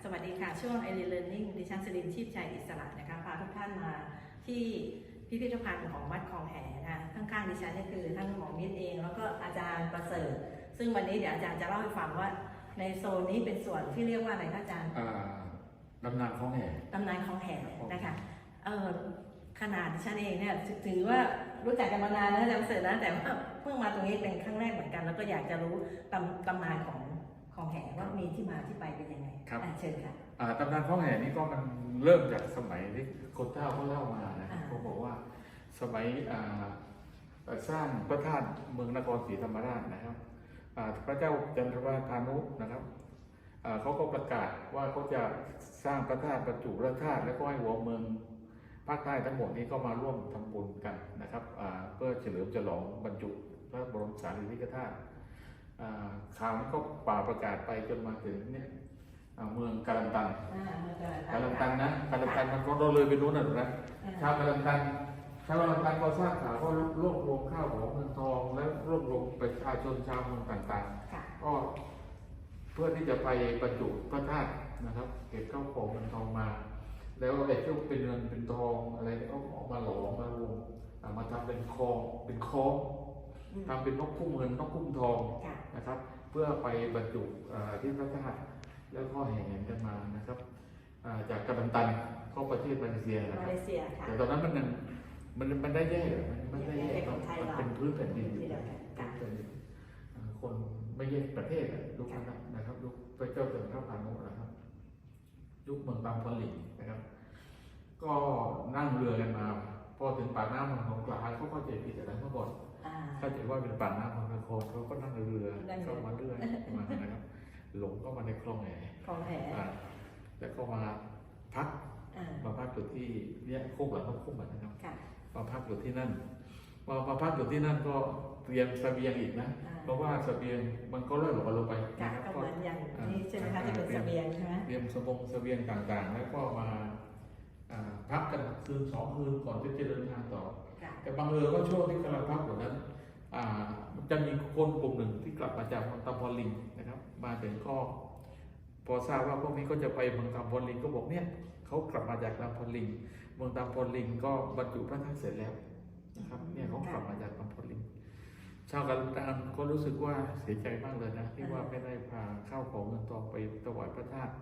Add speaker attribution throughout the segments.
Speaker 1: วัสดีค่ะช่วง e Learning ดิฉันสิรินทร์ชีพชัยอิสระนะคะพาทุกท่านมาที่พิพิธภัณฑ์ของวัดคลองแหนะคะข้างๆดิฉันนี่คือท่านหมอมิตรเองแล้วก็อาจารย์ประเสริฐซึ่งวันนี้เดี๋ยวอาจารย์จะเล่าให้ฟังว่าในโซนนี้เป็นส่วนที่เรียกว่าอะไรคะอาจารย์
Speaker 2: ตำนานคลองแห
Speaker 1: ตำนานคลองแหนะคะขนาดดิฉันเองเนี่ยถือว่ารู้จักกันมานานนะอาจารย์ประเสริฐนะแต่ว่าเพิ่งมาตรงนี้เป็นครั้งแรกเหมือนกันแล้วก็อยากจะรู้ตำนานของคลองแหว่ามีที่มาที่ไปเป็นยังไงครับเชิญค่ะ
Speaker 2: ตำนานคลองแหนี่ก็มันเริ่มจากสมัยที่คนเฒ่าเขาเล่ามานะเขาบอกว่าสมัยสร้างพระธาตุเมืองนครศรีธรรมราชนะครับพระเจ้าจันทวาทานุนะครับเขาก็ประกาศว่าเขาจะสร้างพระธาตุบรรจุพระธาตุและก็ให้หัวเมืองภาคใต้ทั้งหมดนี้ก็มาร่วมทำบุญกันนะครับเพื่อเฉลิมฉลองบรรจุพระบรมสารีริกธาตุข่าวนี้ก็ป่าประกาศไปจนมาถึงเนี่ยเมืองกาลันตันนะกาลันตันมันก็เลยไปนู้นนะชาวกาลันตันก็ทราบข่าวก็รวบรวมข้าวของเงินทองและรวบรวมประชาชนชาวเมืองต่างๆก็เพื่อที่จะไปบรรจุพระธาตุนะครับเก็บข้าวของเงินทองมาแล้วไอ้ที่เป็นเงินเป็นทองอะไรก็ออกมาหลอมมารวมมาทำเป็นคองทำเป็นนกคุ้มเงินนกคุ้มทองนะครับเพื่อไปบรรจุที่พระธาตุแล้วก็แห่กันมานะครับจากกาลันตันเข้าประเทศมาเลเซียนะครับแต่ตอนนั้นมันได้แย่มันได้แย่มันเป็นพื้นแผ่นดินคนไม่แยกประเทศยุคนั้นนะครับยุคพระเจ้าจันทวานุนะครับยุคเมืองบางปะหลิงนะครับก็นั่งเรือกันมาพอถึงปากน้ำเมืองสงขลาเขาเข้าใจผิดอะไรเมื่อก่อนเข้าใจว่าเป็นปากน้ำเมืองนครเขาก็นั่งเรือเข้ามาเรื่อยมานะครับหลงก็มาในคลองแหแล้วก็มาพักอยู่ที่เนี่ยโคกหลังก็คุ้มนะครับมาพักอยู่ที่นั่นมาพักอยู่ที่นั่นก็เตรียมเสบียงอีกนะเพราะว่าเสบียงมันก็เริ่มหลงลงไป
Speaker 1: นะครับก็เหมือนอย่างนี้ใช่ไหมคะที่เป็นเสบียงใช่ไหม
Speaker 2: เตรียมเสบียงต่างๆแล้วก็มาพักกันคืน2 คืนก่อนที่จะเดินทางต่อแต่บางเอิญว่าช่วงที่กำลังพักอยู่นั้นจะมีคนกลุ่มหนึ่งที่กลับมาจากเมืองตำพอลิงนะครับมาถึงก็พอทราบว่าพวกนี้ก็จะไปเมืองตำพอลิงก็บอกเนี่ยเขากลับมาจากตำพอลิงเมืองตำพอลิงก็บรรจุพระธาตุเสร็จแล้วนะครับเนี่ยเขากลับมาจากตำพอลิงชาวกาลันตันก็รู้สึกว่าเสียใจมากเลยนะที่ว่าไม่ได้พาข้าวของเงินทองไปถวายพระธาตุ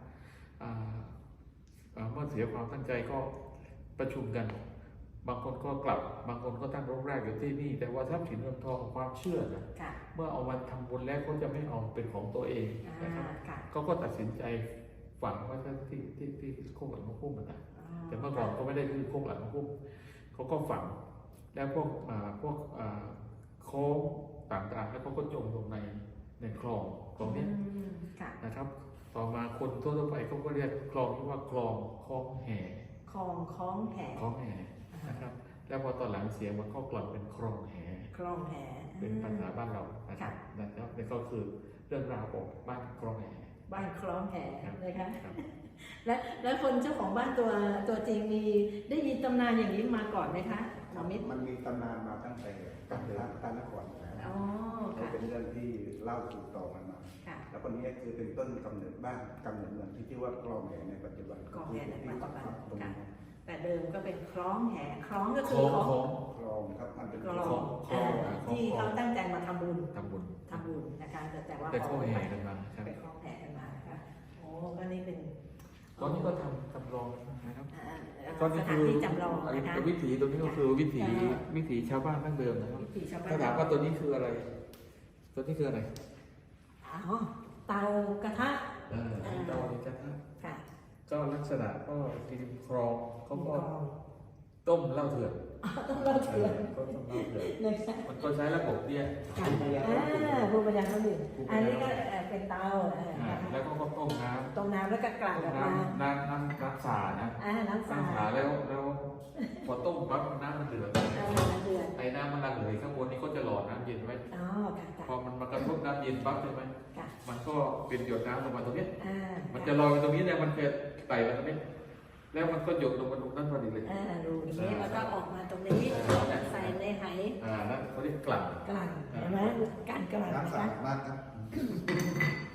Speaker 2: เมื่อเสียความตั้งใจก็ประชุมกันบางคนก็กลับบางคนก็ตั้งรกรากอยู่ที่นี่แต่ว่าทรัพย์สินเงินทองความเชื่อนะเมื่อเอามาทำบุญแล้วเขาจะไม่เอาเป็นของตัวเองนะครับเขาก็ตัดสินใจฝังไว้ที่โคกหลังมะพุ่มนะแต่เมื่อก่อนก็ไม่ได้คือโคกหลังมะพุ่มเขาก็ฝังแล้วพวกโค้งต่างๆแล้วก็จมลงในคลองนี้นะครับต่อมาคนทั่วไปเขาก็เรียกคลองที่ว่าคลองแห่
Speaker 1: คลองแห่
Speaker 2: นะครับแล้วพอตอนหลังเสียงมันก็กลับเป็นคลองแห่เป็นภาษาบ้านเรานะครับนี่ก็คือเรื่องราวของบ้านคลองแห่
Speaker 1: นะคะแล้วคนเจ้าของบ้านตัวจริงได้มีตำนานอย่างนี้มาก่อนไหมคะ
Speaker 3: มันมีตำนานมาตั้งแต่ตานครแล้วเป็นเรื่องที่เล่าสู่ต่อกันมาแล้วคนนี้คือเป็นต้นกำเนิดบ้านกำเนิดเมืองที่ชื่อว่าคลองแห่ในปัจจุบัน
Speaker 1: แต่เดิมก็เป็นคล้องแห่คล้องก็คือ
Speaker 3: คลองครับมันเป็นคลอง
Speaker 1: ที่เขาตั้งใจมาทำบุญนะคะแต่ว่า
Speaker 2: เป็นคล้องแห่กันมา
Speaker 1: นะคะโอ้ก็นี่เป็น
Speaker 2: ตอนนี้ก็ทำจำลองนะครับ
Speaker 1: ตอนนี้คือ
Speaker 2: วิถีตรงนี้ก็คือวิถีชาวบ้านดั้งเดิมนะครับถ้าถามว่าตัวนี้คืออะไร
Speaker 1: เตากระทะ
Speaker 2: เตากระทะก็ลักษณะก็ริมคลองเขาก็ต้มเหล้าเถื่อนมันก็ใช้ระบบเนี่ย
Speaker 1: ภูมิปัญญาเขาดื่มอันนี้ก็เป็นเตา
Speaker 2: แล้วก็ต้ม
Speaker 1: น้ำแล้วก็กลั่นออกมา
Speaker 2: น้ำสานะ
Speaker 1: น้ำสา
Speaker 2: แล้วพอต้มปั๊บน้ำมันเดือดไอ้น้ำมันระเหยข้างบนนี้ก็จะหล่อน้ำเย็นไว้พอมันมากระทบน้ำเย็นปั๊บใช่ไหมมันก็เป็นหยดน้ำลงมาตรงนี้มันจะลอยไปตรงนี้เนี่ยมันจะไต่มาตรงนี้แล้วมันก็หยดลงมาตรงนั้นพอดีเลย
Speaker 1: ดูนี้แล้วก็ออกมาตรงนี้ใส่ในไห
Speaker 2: นั่นเขาเรียกกลั่น
Speaker 1: เห็นไหมการกลั่น
Speaker 3: น้ำสะอาดมากครับ